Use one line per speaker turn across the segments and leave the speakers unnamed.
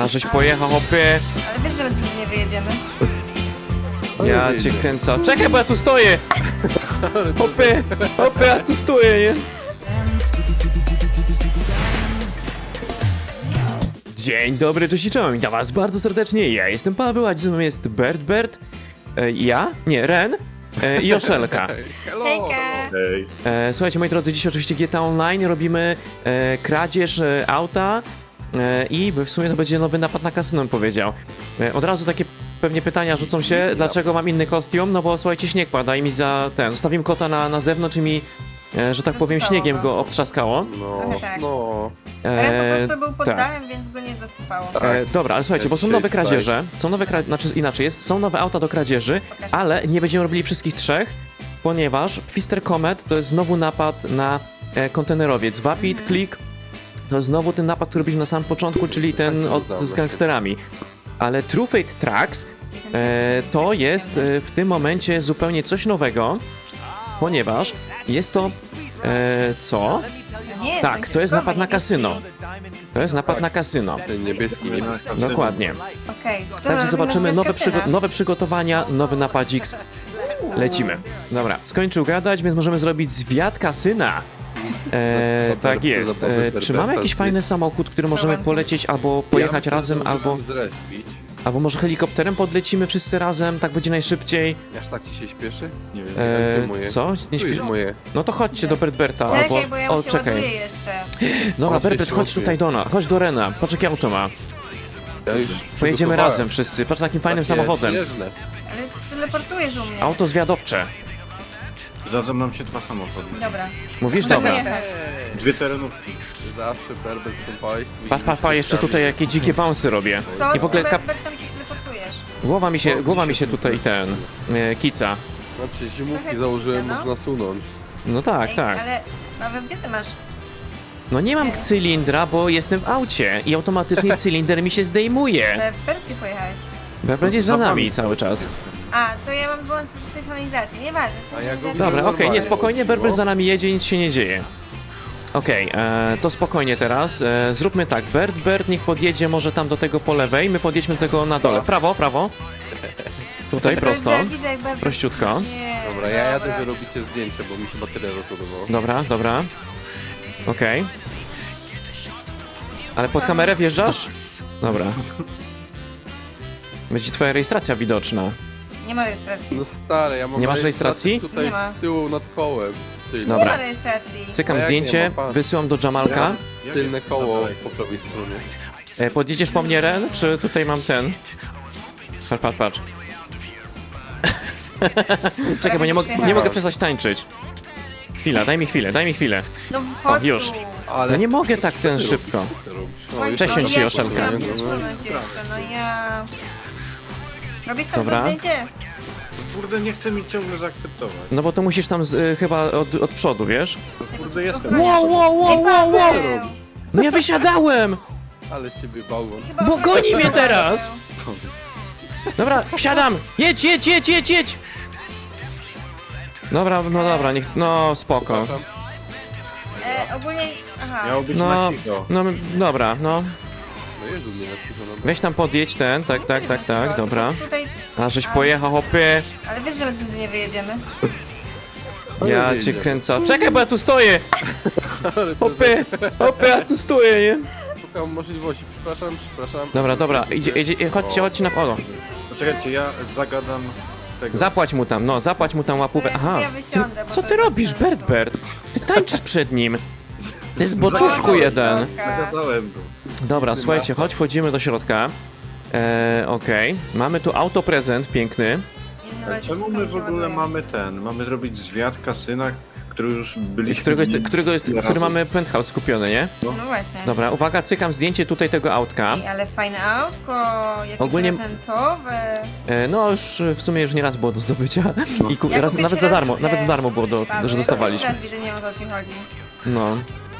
A żeś pojechał, hopie.
Ale wiesz, że my tu nie wyjedziemy.
Ja cię kręcę. Czekaj, bo ja tu stoję! Hopie, hopie, ja tu stoję, nie? Dzień dobry, cześć i czołem, witam was bardzo serdecznie, ja jestem Paweł, a dziś ze mną jest Bert, ja? Nie, Ren i Joszelka.
Hejka!
Hej.
Słuchajcie, moi drodzy, dzisiaj oczywiście GTA Online robimy kradzież auta i w sumie to będzie nowy napad na kasyno, bym powiedział. Od razu takie pewnie pytania rzucą się, dlaczego mam inny kostium, no bo słuchajcie, śnieg pada i mi zostawiłem kota na zewnątrz i mi, że tak powiem,
Zasypało
śniegiem
go.
go obtrzaskało.
Trochę tak.
No.
Ale po prostu był pod
tak.
dachem, więc go nie zasypało.
Dobra, ale słuchajcie, bo są nowe kradzieże, znaczy inaczej jest, są nowe auta do kradzieży, ale nie będziemy robili wszystkich trzech, ponieważ Twister Comet to jest znowu napad na kontenerowiec. Vapid Click to jest znowu ten napad, który robiliśmy na samym początku, czyli ten z gangsterami. Ale True Fate Trucks to jest w tym momencie zupełnie coś nowego, ponieważ jest to co?
Nie,
Tak, to jest napad na kasyno. To jest napad na kasyno.
Ten niebieski.
Dokładnie.
Okej.
Także zobaczymy nowe przygotowania, nowy napadzik. Lecimy. Dobra, skończył gadać, więc możemy zrobić zwiat kasyna. Tak jest. Czy mamy jakiś fajny samochód, który możemy polecieć albo pojechać razem, albo może helikopterem podlecimy wszyscy razem, tak będzie najszybciej.
Aż tak ci się śpieszy? Nie wiem. Gdzie moje?
Co? Nie
Tu jest
śpi...
moje.
No to chodźcie do Berta,
Czekaj,
albo...
bo ja
O,
mu się
czekaj.
ładuję jeszcze.
Dobra,
O,
Berbert,
się
chodź
ładuje.
tutaj do nas, chodź do Rena, patrz jakie auto ma.
Ja już
Pojedziemy
przygotowałem.
razem wszyscy, patrz takim fajnym
Takie
samochodem.
przyjeżdżne.
Ale coś teleportujesz u mnie.
Auto zwiadowcze.
Zdarza nam się dwa samochody.
Dobra.
Mówisz?
Możemy
Dobra.
jechać.
Dwie terenówki.
Zawsze Berbert w tym państwie.
Pa, jeszcze tutaj jakie dzikie bouncy robię.
Co?
I w ogóle
Bert, tam się teleportujesz.
głowa mi się tutaj kica.
Znaczy zimówki
Trochę
założyłem,
dziwne, no.
można nasunąć.
No tak,
Ej,
tak.
Ale, Paweł, gdzie ty masz?
No nie mam cylindra, bo jestem w aucie i automatycznie cylinder mi się zdejmuje.
Bert, ty pojechałeś.
Będzie za nami cały czas.
A, to ja mam wyłączyć synchronizację, nieważne.
A ja go
synchronizacja-
Dobra, okej, nie,
normalnie.
spokojnie, Berber
No.
za nami jedzie, nic się nie dzieje. Okej, to spokojnie teraz. Zróbmy tak, Bert niech podjedzie może tam do tego po lewej, my podjedźmy do tego na dole. Prawo. Tutaj, prosto.
Widzę, jak Bert...
Prościutko.
Nie,
Dobra, ja jadę, wy robicie zdjęcie, bo mi się bateria rozładowało.
Dobra. Okej. Ale pod kamerę wjeżdżasz? Dobra. Będzie twoja rejestracja widoczna.
Nie ma rejestracji.
No stary, ja mam
Nie masz rejestracji?
tutaj
Nie ma.
z tyłu nad kołem. Tylne.
Dobra.
Nie ma rejestracji.
Cykam
A jak
zdjęcie,
nie ma, patrz.
wysyłam do Jamalka.
Tylne koło po prawej stronie.
Podjedziesz po mnie, Ren, czy tutaj mam ten? Patrz. Czekaj, bo nie mogę przestać tańczyć. Chwila, daj mi chwilę.
No chodź
już.
tu.
Ale...
No nie mogę tak
Co
ten
ty
szybko.
robisz? Co ty robisz?
Chodź,
Cześć,
no,
ci,
ja
Joszelka.
chciałam przesunąć jeszcze, no ja... Robisz tam
Dobra.
to zdjęcie?
Kurde, nie chce mi ciągle zaakceptować.
No bo to musisz tam chyba od przodu, wiesz?
Kurde, jestem.
Wow!
Paweł!
No ja wysiadałem!
Ale z ciebie bałwan.
Chyba
Bo
Paweł
goni mnie
Paweł.
teraz! Dobra, wsiadam! Jedź! Dobra, no dobra, no spoko.
Przepraszam.
Ogólnie... Aha.
Miało być
No,
na cicho.
no dobra, no.
No Jezu, nie na cicho, no.
Weź tam podjedź ten, tak, dobra.
Tutaj...
A żeś pojechał, hopie.
Ale wiesz, że my tu nie wyjedziemy.
Ja
Ale
cię
wyjdzie.
kręcę. Czekaj, bo ja tu stoję!
Ale to
Hopie, ja tu stoję, nie?
szukam możliwości. Przepraszam.
Dobra, idzie, chodźcie na... O,
Poczekajcie, ja zagadam tego.
zapłać mu tam łapówę. Aha,
Ja wysiądę, bo
co
to
ty
bez
robisz,
sensu.
Bert? Ty tańczysz przed nim. Ty zboczuszku jeden.
Zagadałem go.
Dobra, słuchajcie, chodź, wchodzimy do środka. Okej. Mamy tu autoprezent piękny.
Ale czemu my w ogóle mamy zrobić zwiat kasyna, który już byliśmy...
Który mamy penthouse kupiony, nie?
No właśnie.
Dobra, uwaga, cykam zdjęcie tutaj tego autka.
Ej, ale fajne autko, jakie
Ogólnie-
prezentowe.
No już w sumie już nie raz było do zdobycia. I
Ja
raz,
kupię
nawet za darmo,
średkę.
nawet za darmo było,
Paweł,
że
ja
dostawaliśmy.
teraz widzę, nie wiem, o co ci chodzi.
No.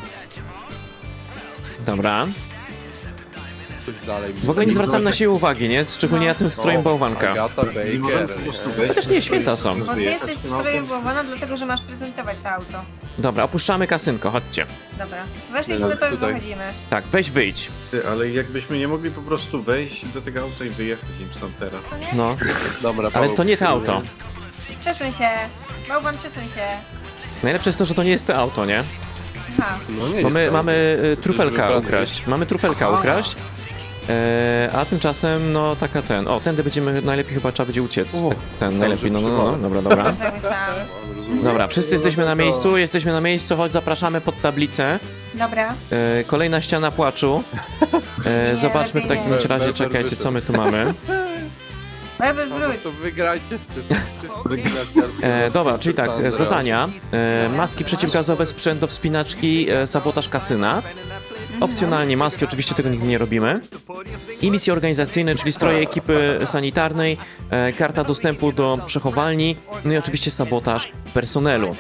Dobra.
Coś dalej.
W ogóle nie zwracam na siebie uwagi, nie? Szczególnie na tym strojem bałwanka.
Agata Baker.
Chociaż nie, święta są.
Bo ty jesteś strojem bałwana, dlatego że masz prezentować to auto.
Dobra, opuszczamy kasynko, chodźcie.
Dobra. Weszliśmy, to już
Tutaj.
wychodzimy.
Tak, weź wyjdź.
Ty, ale jakbyśmy nie mogli po prostu wejść do tego auta i wyjechać im stąd teraz.
To nie?
No,
Dobra,
ale
Paweł,
to nie to
kieruję.
auto.
Przesuń się. Bałwan, przesuń się.
Najlepsze jest to, że to nie jest to auto, nie?
Aha.
No nie
Mamy,
jest to
mamy
auto.
y, trufelka
Wybrane
ukraść. Mamy trufelka
Aha.
ukraść. A tymczasem, no taka ten. O, tędy będziemy, najlepiej chyba trzeba będzie uciec.
O,
Tak, ten, najlepiej, no, dobra, dobra.
Tak myślałam.
Rozumiem.
Dobra, wszyscy jesteśmy na miejscu, chodź, zapraszamy pod tablicę.
Dobra.
Kolejna ściana płaczu. Zobaczmy w
lepiej
takim
nie.
razie, czekajcie, co my tu mamy.
Lewy
Paweł,
wróć.
to wygrajcie w tym.
Dobra, czyli tak, zadania. Maski przeciwgazowe, sprzęt do wspinaczki, sabotaż kasyna. Opcjonalnie maski, oczywiście tego nigdy nie robimy. I misje organizacyjne, czyli stroje ekipy sanitarnej, karta dostępu do przechowalni, no i oczywiście sabotaż personelu.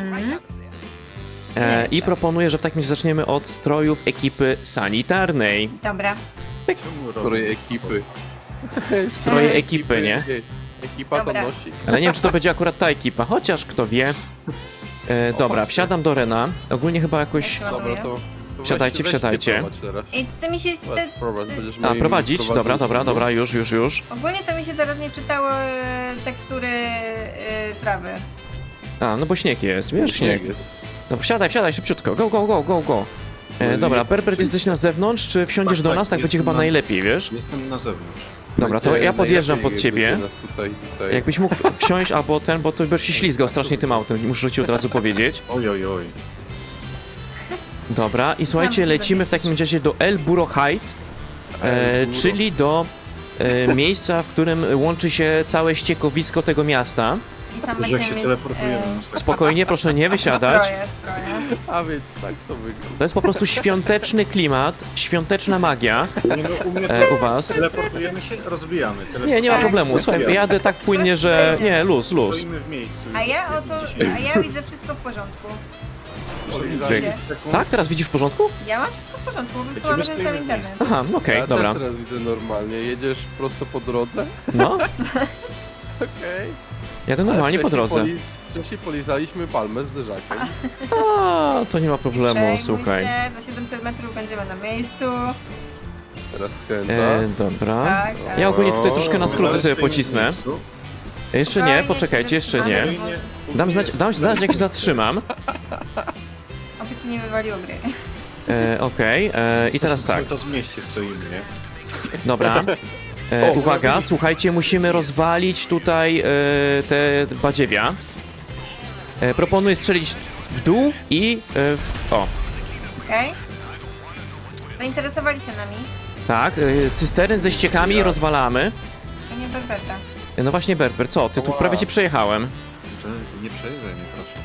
I proponuję, że w takim razie zaczniemy od strojów ekipy sanitarnej.
Dobra.
Której ekipy?
Stroje ekipy, nie?
Ekipa to
Dobra.
nosi.
Ale nie wiem, czy to będzie akurat ta ekipa, chociaż kto wie. Dobra, wsiadam do Rena. Ogólnie chyba jakoś...
Dobra, to
Wsiadajcie,
weź ty
wsiadajcie.
prowadź teraz.
I co mi się...
Prowadź, będziesz
A,
moim
prowadzić? Dobra,
prowadzącym.
dobra, już.
Ogólnie to mi się teraz nie czytało tekstury trawy.
A, no bo śnieg jest, wiesz, śnieg.
jest.
No wsiadaj, szybciutko, go. Dobra, Berbert, jesteś na zewnątrz, czy wsiądziesz do
Tak,
nas? Tak będzie
jestem
chyba
na-
najlepiej, wiesz?
Jestem na zewnątrz.
Dobra, to
Będzie
ja podjeżdżam
najlepiej,
pod ciebie.
jak będzie nas tutaj.
Jakbyś mógł wsiąść albo ten, bo to byś się ślizgał strasznie tym autem, muszę ci od razu powiedzieć.
Oj.
Dobra, i słuchajcie,
Znam się
lecimy w takim razie do El Burro Heights, czyli do miejsca, w którym łączy się całe ściekowisko tego miasta.
I tam
Że jak
będziemy
się
mieć...
teleportujemy.
Spokojnie, proszę nie wysiadać.
Stroje.
A więc tak to wygląda.
To jest po prostu świąteczny klimat, świąteczna magia
Nie, no, u mnie to
u was.
teleportujemy się, rozbijamy.
Nie ma problemu, słuchaj, jadę tak płynnie, że... Nie, luz.
Stoimy w miejscu.
A ja widzę wszystko w porządku.
Cyk. Tak? Teraz widzisz w porządku?
Ja mam wszystko w porządku, wysłałam
Lecimy
ten
z
sam
tym
internet.
Aha, okej,
Ja
dobra.
też teraz widzę normalnie. Jedziesz prosto po drodze?
No,
Okej.
jadę normalnie po drodze.
Wcześniej polizaliśmy palmę z derzakiem.
A, to nie ma
Nie
problemu,
przejmuj
słuchaj.
się, za 700 metrów będziemy na miejscu.
Teraz skręca.
Dobra.
Tak.
Ja ogólnie tutaj troszkę na
My
skróty
dalej
sobie
stoimy w
pocisnę.
miejscu.
Jeszcze nie,
Spokojnie,
poczekajcie, jeszcze nie.
zatrzymamy.
Dam znać jak się zatrzymam.
Oby ci nie wywaliło gry.
Okej, i teraz tak.
My to z mieście stoimy, nie?
Dobra. Uwaga, słuchajcie, musimy rozwalić tutaj te badziewia. Proponuję strzelić w dół i o,
Okej? Zainteresowali się nami.
tak, cystern ze ściekami rozwalamy.
To nie Berberta.
No właśnie, Berber, co? Ty tu prawie cię przejechałem.
To nie przejeżdżaj mnie, proszę.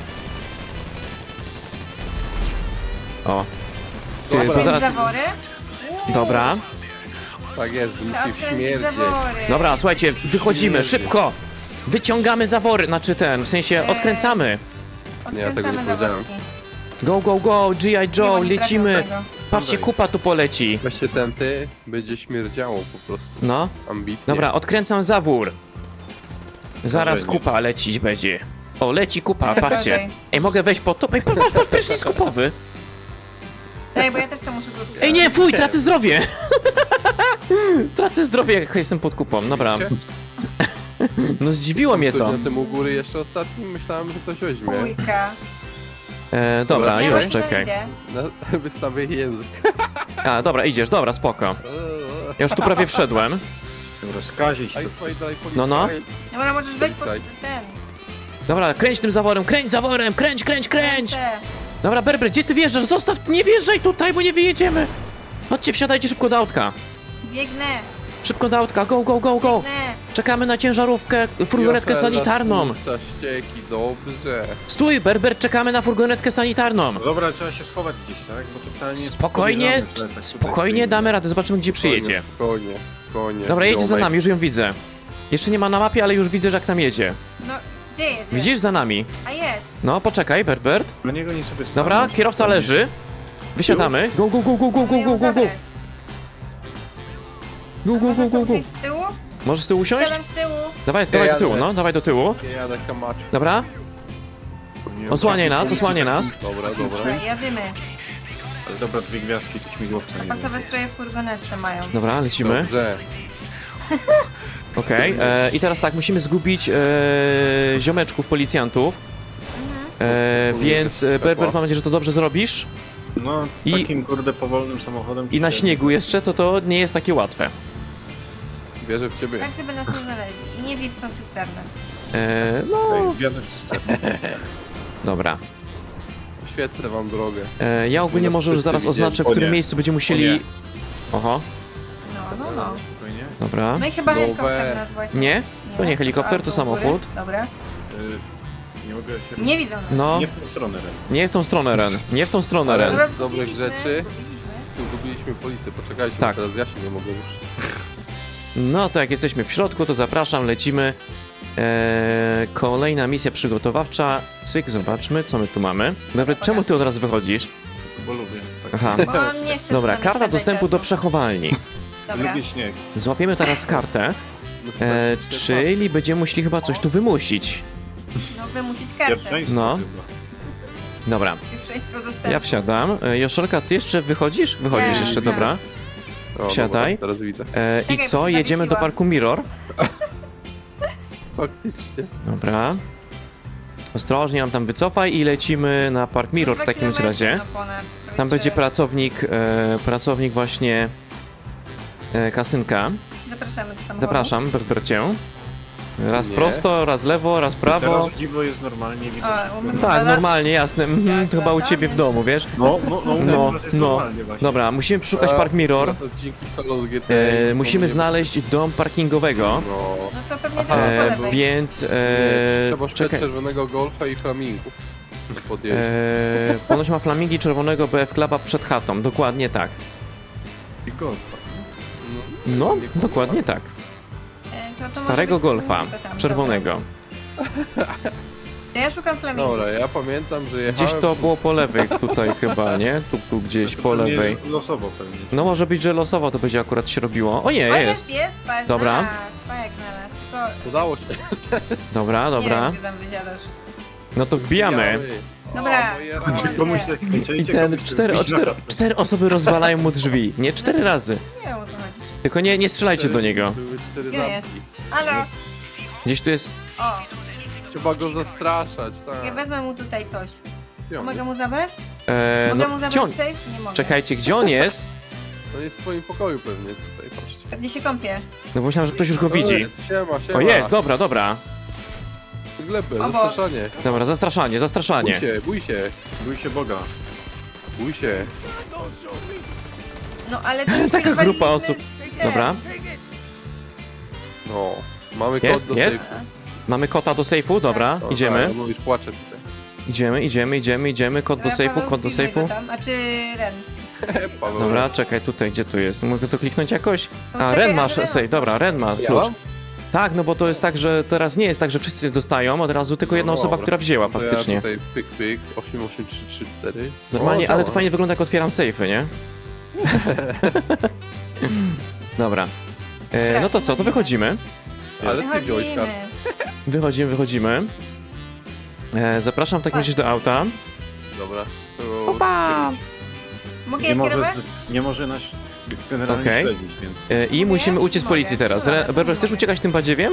O. Ty,
Dobra.
to zaraz...
Zawory?
Dobra.
Tak jest,
Trzeba
musi
odkręcić
śmierdzieć.
zawory.
Dobra, słuchajcie, wychodzimy,
Jezu.
szybko! Wyciągamy zawory, znaczy ten, w sensie odkręcamy.
Nie, ja tego nie
Odkręcamy
powiedziałem.
zaworki.
Go, G.I.
Nie, bo
Joe,
nie
lecimy!
trafią tego.
Patrzcie, kupa tu poleci.
Weźcie ten ty, będzie śmierdziało po prostu.
No,
Ambitnie.
dobra, odkręcam zawór. Zaraz
Dobrze, nie.
kupa lecić będzie. O, leci kupa,
Ale
patrzcie.
gorzej.
Ej, mogę wejść po to? Ej, patrz, prysznic kupowy.
Ej, bo ja też sam muszę tu odkryć.
Ej, nie, fuj, tracę zdrowie! Tracę zdrowie, jak jestem pod kupą, dobra. No zdziwiło mnie to.
Na tym u góry jeszcze ostatnim myślałem, że ktoś weźmie.
Pójka.
Dobra,
Ja
już,
właśnie
czekaj.
idę.
Wystawię język.
A, dobra, idziesz, dobra, spoko. Ja już tu prawie wszedłem.
Dobra, skazić to.
Aj, twoi dalej
No, no.
Dobra, możesz wejść pod
Policaj.
ten.
Dobra, kręć tym zaworem, kręć!
Ręce.
Dobra, Berber, gdzie ty wjeżdżasz? Zostaw, nie wjeżdżaj tutaj, bo nie wyjedziemy. Chodźcie, wsiadajcie szybko do autka.
Biegnę.
Szybko do autka, go!
Biegnę.
Czekamy na ciężarówkę, furgonetkę
Jofela
sanitarną.
spuszcza ścieki, dobrze.
Stój, Berber, czekamy na furgonetkę sanitarną.
No dobra, trzeba się schować gdzieś, tak? Bo to wcale nie jest
Spokojnie,
podejrzane, że tak tutaj
spokojnie
stoimy.
damy radę, zobaczymy gdzie przyjedzie.
Konie.
Dobra, jedzie za nami, już ją widzę. Jeszcze nie ma na mapie, ale już widzę, że jak tam jedzie.
No, gdzie jedzie?
Widzisz za nami?
A jest.
No, poczekaj, Berbert.
Na niego nie sobie
Dobra,
stanąć.
kierowca leży. Wysiadamy. Go!
Mogę ją zabrać. Mogę sobie usiąść z tyłu?
Możesz z tyłu usiąść?
Siadam z tyłu.
Dawaj do tyłu, no, dawaj do tyłu.
Ja jadę kamaczem.
Dobra? Osłaniaj nas, osłaniaj nas.
Dobra, dobra.
Dobra, jadymy.
Ale dobra, 2 gwiazdki, to śmigłowca nie
Pasowe stroje w furgonetce mają.
Dobra, lecimy.
Dobrze.
Okej, i teraz tak, musimy zgubić ziomeczków, policjantów. Więc Berber, mam nadzieję, że to dobrze zrobisz.
No,
I-
takim kurde powolnym samochodem.
I na śniegu jeszcze, to nie jest takie łatwe.
Wierzę w ciebie.
Tak, żeby nas nie znaleźli. I nie wiedz w tą cysternę.
No,
Wjadę w cysternę.
dobra.
Świecę wam drogę.
Ja ogólnie
nas
może już
wszyscy
zaraz
widzieli.
oznaczę, w
O
którym
nie.
miejscu będziemy
O
musieli...
nie.
Oho,
No.
Spokojnie.
dobra.
No i chyba
Nowe.
helikopter nas właśnie.
Nie? To nie helikopter, to
A, do góry.
samochód.
Dobra.
Nie mogę się...
Nie widzą nas.
No,
Nie w tą stronę, Ren.
nie w tą stronę, Ren. Nie w tą stronę,
Ale-
Ren.
Dobra,
z dobrych
zgubiliśmy,
rzeczy.
zgubiliśmy.
Tu gubiliśmy policję, poczekajcie,
Tak.
bo teraz ja się nie mogę już.
No to jak jesteśmy w środku, to zapraszam, lecimy. Kolejna misja przygotowawcza. Cyk, zobaczmy, co my tu mamy. Dobra, czemu ty od razu wychodzisz?
Bo lubię. Tak.
Aha.
Bo on nie chce
Dobra,
z nami
karta
spędzać
dostępu do
czasu.
przechowalni.
Dobra.
Lubię śnieg.
Złapiemy teraz kartę,
No,
czyli będziemy musieli chyba coś tu wymusić.
No wymusić kartę.
Pierwszeństwo
No.
chyba.
Pierwszeństwo
Dobra,
dostępu.
ja wsiadam. Joszelka, ty jeszcze wychodzisz? Wychodzisz
Nie,
jeszcze,
nie.
dobra.
O,
Wsiadaj.
Dobra, teraz widzę.
I
Czekaj,
co?
bo się
Jedziemy do
zawiesiłam.
parku Mirror.
Faktycznie.
Dobra. Ostrożnie nam tam wycofaj i lecimy na park Mirror w
2
takim
kilometry,
razie.
no ponad,
Tam będzie
prawie
pracownik właśnie kasynka.
Zapraszamy do samochodu.
Zapraszam, Berbercię. Raz
Nie.
prosto, raz lewo, raz prawo.
Teraz dziwo jest normalnie widać.
O, u mnie
Tak,
Ale-
normalnie, jasne.
Jak
To chyba u ciebie w
latamy.
domu, wiesz?
No,
No,
jest
no.
normalnie właśnie.
Dobra, musimy przeszukać park Mirror.
Teraz odcinki solo z GTA.
Musimy znaleźć dom parkingowego.
No.
No to pewnie
Aha,
teraz po
E,
lewej.
więc
Nie, trzeba szukać
czekaj.
czerwonego golfa i flamingów. Podjeźdź.
Ponoć ma flamingi czerwonego BF Cluba przed chatą. Dokładnie tak.
I golfa.
No,
nie
dokładnie tak.
To
Starego
może być
golfa,
tylko tam,
czerwonego.
dobra. To ja szukam flamingo.
Dobra, ja pamiętam, że jechałem...
Gdzieś to było po lewej tutaj chyba, nie? Tu gdzieś po
To nie
lewej.
jest Losowo pewnie.
No może być, że losowo to będzie akurat się robiło. O nie,
O,
jest.
patrz,
Dobra.
Spajek na nas, tylko
Udało się.
Dobra,
nie
dobra.
wiem, gdzie tam wysiadasz.
No to wbijamy.
Dobra.
O, moje
O,
rany.
Komuś
nie.
tak kończycie,
I ten
komuś tak
cztery osoby rozwalają mu drzwi. Nie, 4 razy.
Nie wiem, o co chodzi.
Tylko nie strzelajcie do niego.
Były 4
Gdzie jest?
zamki.
Halo?
Gdzieś tu jest...
O,
Trzeba go zastraszać,
ja
tak.
wezmę mu tutaj coś.
Piąty.
Mogę mu zabrać? Mogę
no,
mu
gdzie
zabrać
on...
safe? Nie mogę.
Czekajcie, gdzie on jest?
To jest w swoim pokoju pewnie tutaj, patrzcie.
Pewnie się kąpie.
No bo myślałem, że ktoś już go widzi.
Jest, siema, siema.
O jest, dobra.
Glebę,
Obok.
zastraszanie.
Dobra, zastraszanie.
Bój się.
Bój się Boga.
Bój się.
No ale to już
Taka
tak
grupa
waliliśmy
osób.
ten.
Dobra,
No. Mamy
Jest,
kod do
jest.
sejfu.
mamy kota do sejfu, dobra,
O,
idziemy.
Tak, on już płacze tutaj.
Idziemy, kod do
Dobra,
sejfu,
Paweł,
kod do
wbijaj
sejfu.
go tam. A czy Ren?
Paweł.
Dobra, czekaj, tutaj, gdzie tu jest? Mogę to kliknąć jakoś?
No,
A,
czekaj,
Ren masz
Ren
sejf, dobra, Ren ma
Ja
klucz.
mam?
Tak, no bo to jest tak, że teraz nie jest tak, że wszyscy dostają od razu, tylko jedna
No
osoba,
dobra.
która wzięła
To
faktycznie.
Ja tutaj pyk, 88334.
Normalnie,
O,
ale to
działa.
fajnie wygląda, jak otwieram sejfy, nie? Dobra. No to co, to wychodzimy.
Ale ty wziąłeś
Wychodzimy.
kartę.
Wychodzimy. Zapraszam w takim razie do auta.
Dobra. To
Opa!
Mogę
Nie
je
może,
kierować?
nie może nas generalnie
Okej.
śledzić, więc...
I
Mogę?
musimy uciec z
Mogę.
policji teraz.
Dobra, to
Berber,
nie
chcesz
mogę.
uciekać tym badziewiem?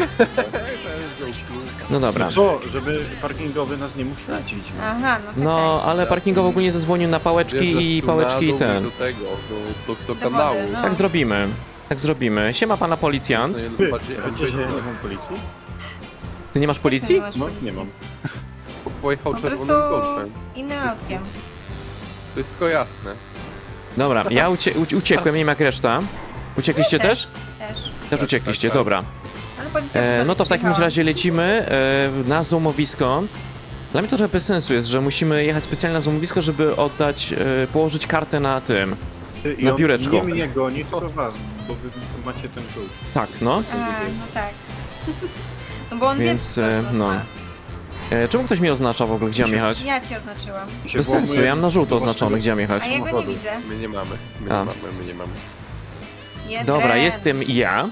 No dobra.
Co, żeby parkingowy nas nie mógł śledzić?
Aha, no tak.
No, ale parkingowo ogólnie zadzwonił na pałeczki i pałeczki i ten.
Do tego, do
Do
kanału.
wody, no.
Tak zrobimy. Tak zrobimy. Siema pana policjant.
No,
Ty,
bardziej
wiecie, że ja nie mam policji?
Ty nie masz policji?
masz
No,
policji?
nie mam.
Pojechał
Po prostu
czerwonym golfem.
innym autkiem.
To jest tylko jasne.
Dobra, ja uciekłem, nie wiem jak reszta. Uciekliście też?
Też.
Też uciekliście,
tak.
dobra.
Ale policja
No to w takim
przyjechała.
razie lecimy na złomowisko. Dla mnie to trochę bez sensu jest, że musimy jechać specjalnie na złomowisko, żeby oddać, położyć kartę na tym.
Ty, i
Na
on
biureczku.
Nie mnie goni, tylko was, bo wy macie ten klucz.
Tak, no.
A, no tak. No bo on
Więc,
wie, co to
no.
ma.
Czemu ktoś mnie oznacza w ogóle, gdzie mam jechać?
Ja ci oznaczyłam.
I się
Bez sensu,
włamuje
ja mam na żółto
do
oznaczone,
waszego
gdzie mam jechać.
A ja go nie
samochodu.
widzę.
My nie mamy.
A.
My nie mamy.
Jest
Dobra,
Ren.
jestem ja.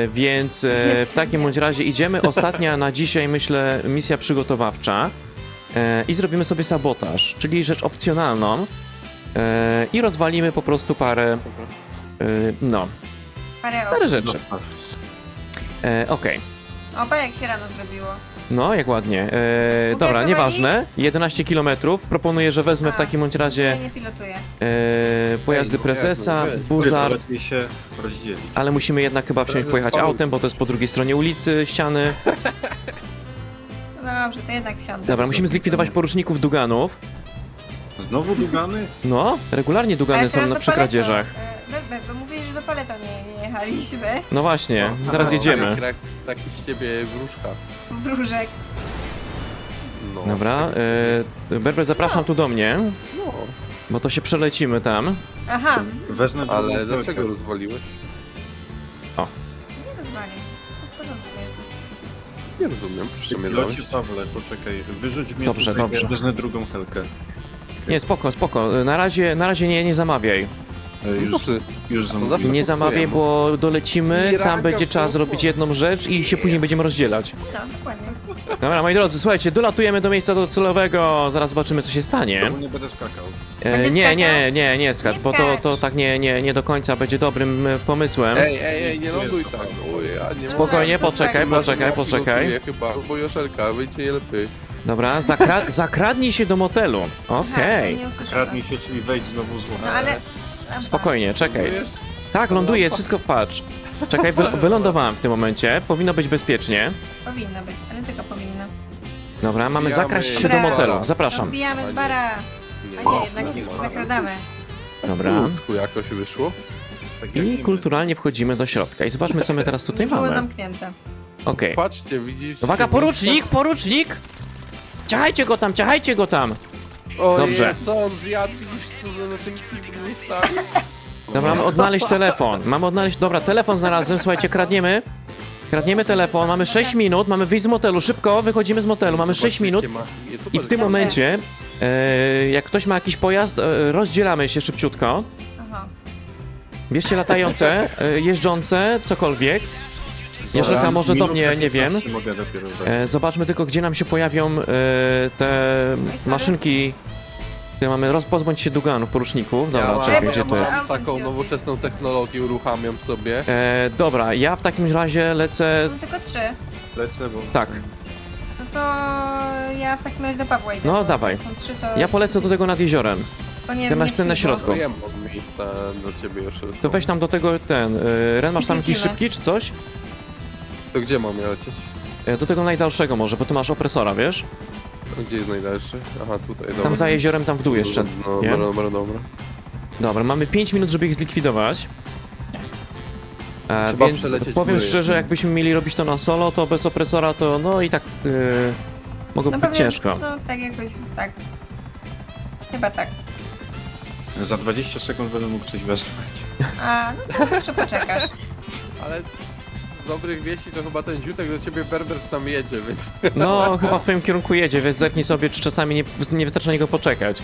Więc w takim bądź razie idziemy. Ostatnia na dzisiaj, myślę, misja przygotowawcza. i zrobimy sobie sabotaż, czyli rzecz opcjonalną i rozwalimy po prostu parę, no,
Parę
parę
osób.
rzeczy. Okej.
Opa, jak się rano zrobiło.
No, jak ładnie. Dobra,
prowadzić?
nieważne. 11 km. Proponuję, że wezmę w
A,
takim bądź
Ja
razie
nie pilotuję.
pojazdy
Ej, no
prezesa,
jak, no wiesz.
buzar,
Lepiej się rozdzielić.
ale musimy jednak chyba wsiąść,
Prezes
pojechać
paru.
autem, bo to jest po drugiej stronie ulicy, ściany.
No dobrze, to jednak wsiądę.
Dobra, musimy zlikwidować poruczników Duganów.
Znowu dugany?
No, regularnie Dugany
Ale
są
teraz
na
do
przy
Paleto.
kradzieżach.
Bo mówili, że do Paleto nie jechaliśmy.
No właśnie, teraz jedziemy.
Taki z ciebie wróżka.
Wróżek.
No.
Dobra, Berber, zapraszam tu do mnie,
No,
bo to się przelecimy tam.
Aha,
Wezmę drugą
ale
helkę.
dlaczego rozwaliłeś?
nie rozwali. Wszystko w porządku jest.
Nie rozumiem, proszę mnie
Pilocie
dać.
Pawle, poczekaj, wyrzuć mnie
Dobrze,
tutaj,
dobrze.
ja wezmę drugą helkę.
Nie, spoko, spoko. Na razie nie zamawiaj.
Już
zawsze
zamówiłem.
Nie zamawiaj, bo dolecimy, tam
Miraka
będzie trzeba
w
zrobić jedną rzecz i się później będziemy rozdzielać.
No, dokładnie.
Dobra, moi drodzy, słuchajcie, dolatujemy do miejsca docelowego, zaraz zobaczymy, co się stanie.
Znowu nie będę skakał.
Będziesz
Nie skacz,
Nie
bo to
skacz.
tak nie do końca będzie dobrym pomysłem.
Ej, nie ląduj tak. Oj, a nie
Spokojnie,
No,
poczekaj.
Pilotuję chyba, bo Joszelka, wyjdzie lepiej.
Dobra, zakradnij się do motelu. Okej.
Aha, to nie usłyszałam.
Kradnij się, czyli wejdź znowu z
No
łomu.
ale... Lampa.
Spokojnie, czekaj.
Rozumiesz?
Tak, ląduje, jest wszystko, patrz. Czekaj, wylądowałem w tym momencie, powinno być bezpiecznie.
Powinno być, ale tylko powinno.
Dobra, mamy
Wbijamy
zakraść się do
Dobra.
motelu, zapraszam.
Wbijamy z bara. A nie, jednak się zakradamy.
Dobra.
Ludzku jakoś wyszło.
Tak jak
I
niby.
kulturalnie wchodzimy do środka i zobaczmy, co my teraz tutaj
Było
mamy.
zamknięte.
Okej.
Patrzcie, widzicie?
Uwaga, porucznik! Ciachajcie go tam!
Ojej,
Dobrze.
co on zjadł, widzisz, co na tym kiblu zostawił?
Dobra, mamy odnaleźć telefon. Dobra, telefon znalazłem, słuchajcie, kradniemy. Kradniemy telefon, mamy 6 minut, mamy wyjść z motelu, szybko, wychodzimy z motelu, mamy 6 minut. I w tym
Dobrze.
momencie, jak ktoś ma jakiś pojazd, rozdzielamy się szybciutko.
Aha.
Bierzcie latające, jeżdżące, cokolwiek. Joszelka może do
Minut
mnie, nie wiem.
15 Mogę dopiero wejść.
Zobaczmy tylko, gdzie nam się pojawią te maszynki. Które mamy, pozbądź się Duganów, poruczników. Dobra,
ja
czekaj,
mam,
gdzie to jest?
Mam taką nowoczesną technologię, uruchamiam sobie.
Dobra, ja w takim razie lecę.
Mam tylko 3.
Lecę, bo...
Tak,
No to ja w takim razie do Pawła idę.
No,
bo
dawaj.
Są 3, to...
ja polecę do tego nad jeziorem.
To nie,
ten na-
nie
ten na
przyjdą.
środku.
Wiem od miejsca do ciebie, Joszelko.
To weź tam do tego Ren, masz tam jakiś
Lecimy.
szybki czy coś?
To gdzie mam ja lecieć?
Do tego najdalszego może, bo tu masz opresora, wiesz?
Gdzie jest najdalszy? Aha, tutaj, dobra.
Tam za jeziorem, tam w dół jeszcze.
No,
nie?
dobra.
Dobra, mamy 5 minut, żeby ich zlikwidować.
Trzeba
Więc
przelecieć
powiem
góry.
szczerze, jakbyśmy mieli robić to na solo, to bez opresora to no i tak mogłoby
No
być
pewnie,
ciężko.
No tak jakoś, tak. Chyba tak.
Za 20 sekund będę mógł coś wezwać.
A, no to jeszcze poczekasz.
Ale z dobrych wieści to chyba ten ziutek do ciebie Berber tam jedzie, więc...
No, chyba w twoim kierunku jedzie, więc zerknij sobie, czy czasami nie wystarczy na niego poczekać.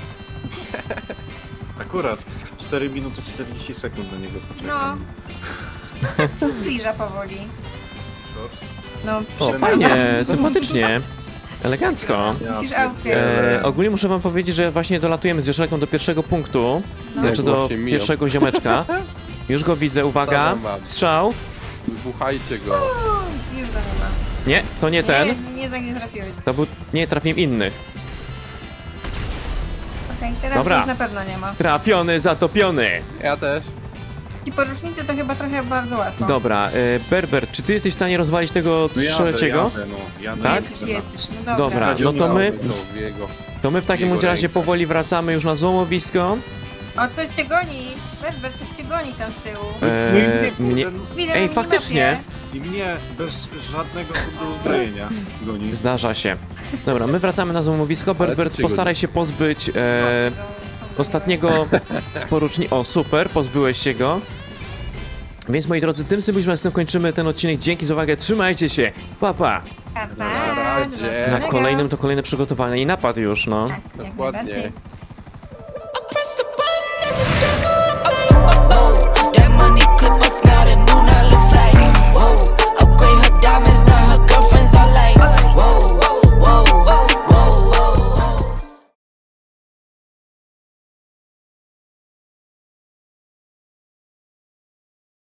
Akurat 4 minuty 40 sekund na niego
No.
poczekam.
Tak się zbliża powoli. No,
O,
przynajmniej.
fajnie, sympatycznie, elegancko.
Musisz
Ja
autkę.
pierdzielę.
Ogólnie muszę wam powiedzieć, że właśnie dolatujemy z Joszelką do pierwszego punktu,
No.
znaczy do
właśnie mijam.
pierwszego ziomeczka. Już go widzę, uwaga,
Zadam wam.
strzał.
Wybuchajcie go.
Już go nie ma.
Nie, to nie ten,
Nie, tak nie trafiłeś.
to był, nie, trafiłem inny.
Okej, teraz
Dobra.
już na pewno nie ma.
Trafiony, zatopiony.
Ja też.
Ci porucznicy to chyba trochę bardzo łatwo.
Dobra, Berber, czy ty jesteś w stanie rozwalić tego
No
trzeciego?
jadę.
Tak?
Jedziesz. No
Dobra, no to my,
To jego.
to my w takim
Jego
bądź razie
ręka.
powoli wracamy już na złomowisko.
O, coś cię goni. Berber, coś cię goni tam z tyłu.
Mnie...
Widzę
Ej,
na
faktycznie.
minimapie.
I mnie bez żadnego uzbrojenia goni.
Zdarza się. Dobra, my wracamy na złomowisko.
Ale
Berber,
co cię
postaraj
goni?
się pozbyć
No,
ostatniego porucznika. O, super, pozbyłeś się go. Więc moi drodzy, tym symbolicznym kończymy ten odcinek. Dzięki za uwagę, trzymajcie się. Pa, pa.
Pa, pa,
Na razie.
do
Na
następnego.
kolejnym to kolejne przygotowanie i napad już, no.
Tak, jak
Dokładnie.
najbardziej.